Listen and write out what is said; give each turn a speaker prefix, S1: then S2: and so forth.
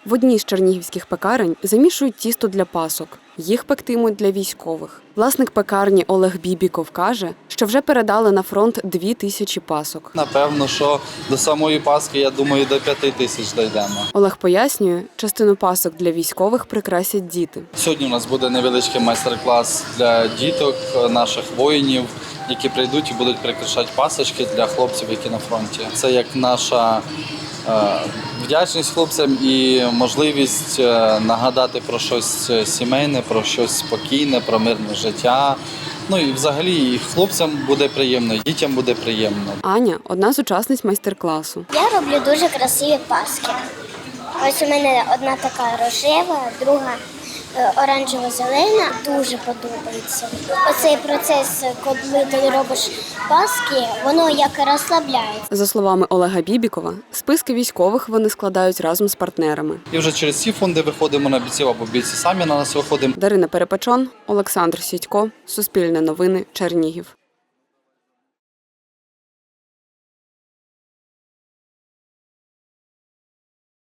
S1: В одній з чернігівських пекарень замішують тісто для пасок. Їх пектимуть для військових. Власник пекарні Олег Бібіков каже, що вже передали на фронт 2000 пасок.
S2: Напевно, що до самої Пасхи, я думаю, до 5000 дійдемо.
S1: Олег пояснює, частину пасок для військових прикрасять діти.
S2: Сьогодні у нас буде невеличкий майстер-клас для діток, наших воїнів, які прийдуть і будуть прикрашати пасочки для хлопців, які на фронті. Це як наша вдячність хлопцям і можливість нагадати про щось сімейне, про щось спокійне, про мирне життя. Ну і взагалі і хлопцям буде приємно, і дітям буде приємно.
S1: Аня – одна з учасниць майстер-класу.
S3: Я роблю дуже красиві паски. Ось у мене одна така рожева, друга оранжево-зелена. Дуже подобається. Оцей процес, коли ти робиш паски, воно як розслабляє.
S1: За словами Олега Бібікова, списки військових вони складають разом з партнерами.
S2: І вже через ці фонди виходимо на бійців або бійці самі на нас виходимо.
S1: Дарина Перепечон, Олександр Сідько, Суспільне новини, Чернігів.